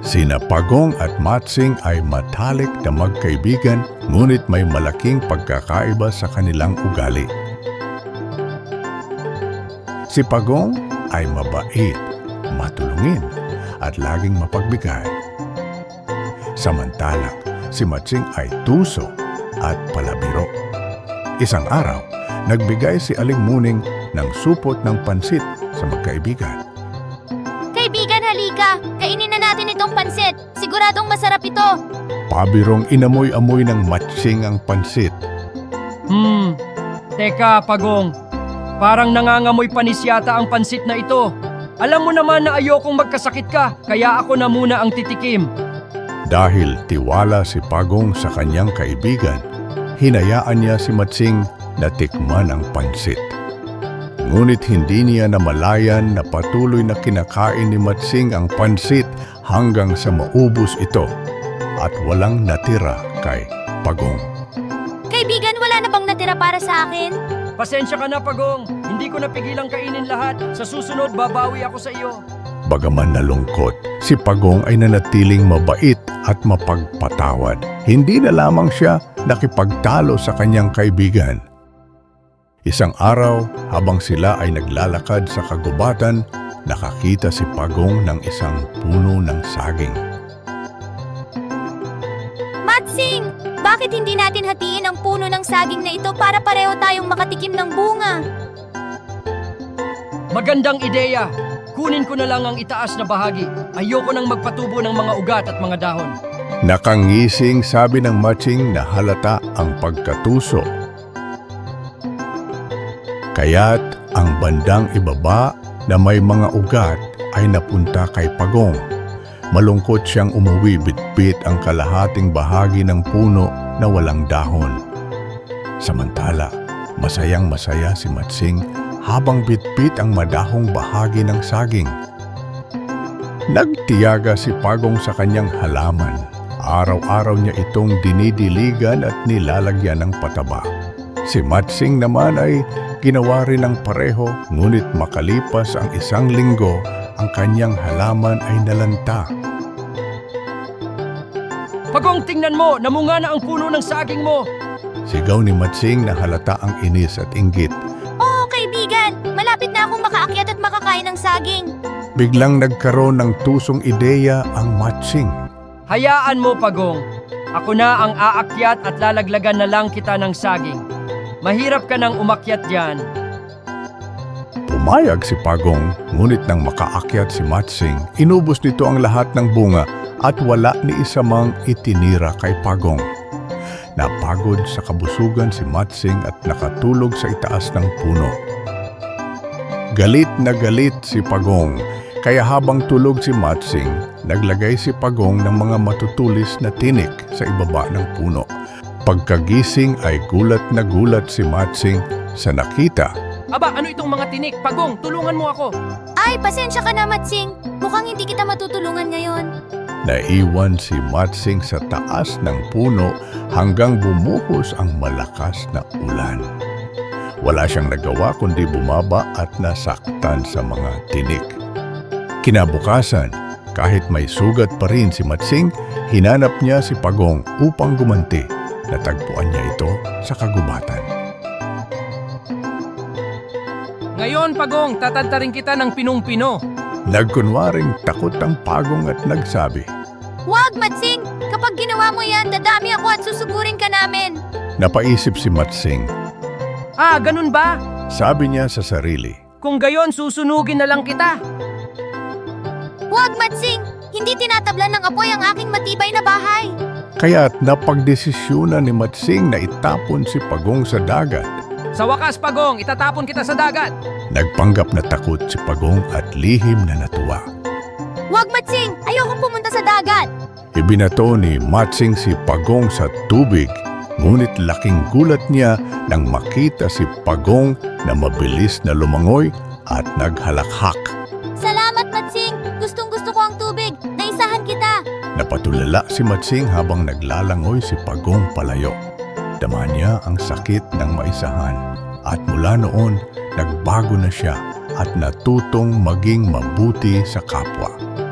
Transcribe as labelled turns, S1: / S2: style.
S1: Sina Pagong at Matsing ay matalik na magkaibigan, ngunit may malaking pagkakaiba sa kanilang ugali. Si Pagong ay mabait, matulungin, at laging mapagbigay. Samantalang si Matsing ay tuso at palabiro. Isang araw, nagbigay si Aling Muning ng supot ng pansit sa magkaibigan.
S2: Kaibigan, halika! Kainin na natin itong pansit! Siguradong masarap ito!
S1: Pabirong inamoy-amoy ng Matsing ang pansit.
S3: Teka, Pagong. Parang nangangamoy panis yata ang pansit na ito. Alam mo naman na ayokong magkasakit ka, kaya ako na muna ang titikim.
S1: Dahil tiwala si Pagong sa kanyang kaibigan, hinayaan niya si Matsing na tikman ang pansit. Ngunit hindi niya namalayan na patuloy na kinakain ni Matsing ang pansit hanggang sa maubos ito at walang natira kay Pagong.
S2: Kaibigan, wala na bang natira para sa akin?
S3: Pasensya ka na, Pagong. Hindi ko napigilang kainin lahat. Sa susunod, babawi ako sa iyo.
S1: Bagaman nalungkot, si Pagong ay nanatiling mabait at mapagpatawad. Hindi na lamang siya nakipagtalo sa kanyang kaibigan. Isang araw, habang sila ay naglalakad sa kagubatan, nakakita si Pagong ng isang puno ng saging.
S2: Matsing! Bakit hindi natin hatiin ang puno ng saging na ito para pareho tayong makatikim ng bunga?
S3: Magandang ideya. Kunin ko na lang ang itaas na bahagi. Ayoko nang magpatubo ng mga ugat at mga dahon.
S1: Nakangising sabi ng Matsing na halata ang pagkatuso. Kaya't ang bandang ibaba na may mga ugat ay napunta kay Pagong. Malungkot siyang umuwi, bitbit ang kalahating bahagi ng puno na walang dahon. Samantala, masayang-masaya si Matsing habang bitbit ang madahong bahagi ng saging. Nagtiyaga si Pagong sa kanyang halaman. Araw-araw niya itong dinidiligan at nilalagyan ng pataba. Si Matsing naman ay ginawa rin ng pareho, ngunit makalipas ang isang linggo, ang kanyang halaman ay nalanta.
S3: Pagong, tingnan mo! Namunga na ang puno ng saging mo!
S1: Sigaw ni Matsing na halata ang inis at inggit.
S2: Oo, kaibigan! Malapit na akong makaakyat at makakain ng saging!
S1: Biglang nagkaroon ng tusong ideya ang Matsing.
S3: Hayaan mo, Pagong. Ako na ang aakyat at lalaglagan na lang kita ng saging. Mahirap ka nang umakyat diyan.
S1: Pumayag si Pagong, ngunit nang makaakyat si Matsing, inubos nito ang lahat ng bunga at wala ni isa mang itinira kay Pagong. Napagod sa kabusugan si Matsing at nakatulog sa itaas ng puno. Galit na galit si Pagong, kaya habang tulog si Matsing, naglagay si Pagong ng mga matutulis na tinik sa ibaba ng puno. Pagkagising ay gulat na gulat si Matsing sa nakita.
S3: Aba, ano itong mga tinik? Pagong, tulungan mo ako.
S2: Ay, pasensya ka na, Matsing! Mukhang hindi kita matutulungan ngayon.
S1: Naiwan si Matsing sa taas ng puno hanggang bumuhos ang malakas na ulan. Wala siyang nagawa kundi bumaba at nasaktan sa mga tinik. Kinabukasan, kahit may sugat pa rin si Matsing, hinanap niya si Pagong upang gumanti. Natagpuan niya ito sa kagubatan.
S3: Ngayon, Pagong, tatantarin kita ng pinong-pino.
S1: Nagkunwaring takot ang Pagong at nagsabi.
S2: Huwag, Matsing! Kapag ginawa mo yan, dadami ako at susugurin ka namin!
S1: Napaisip si Matsing.
S3: Ah, ganun ba?
S1: Sabi niya sa sarili.
S3: Kung gayon, susunugin na lang kita.
S2: Huwag, Matsing! Hindi tinatablan ng apoy ang aking matibay na bahay!
S1: Kaya't napagdesisyonan ni Matsing na itapon si Pagong sa dagat.
S3: Sa wakas, Pagong, itatapon kita sa dagat.
S1: Nagpanggap na takot si Pagong at lihim na natuwa.
S2: Huwag, Matsing! Ayokong pumunta sa dagat!
S1: Ibinato ni Matsing si Pagong sa tubig, ngunit laking gulat niya nang makita si Pagong na mabilis na lumangoy at naghalakhak.
S2: Salamat, Matsing! Gustong-gusto ko ang tubig! Naisahan kita!
S1: Napatulala si Matsing habang naglalangoy si Pagong palayo. Dama niya ang sakit ng maisahan at mula noon nagbago na siya at natutong maging mabuti sa kapwa.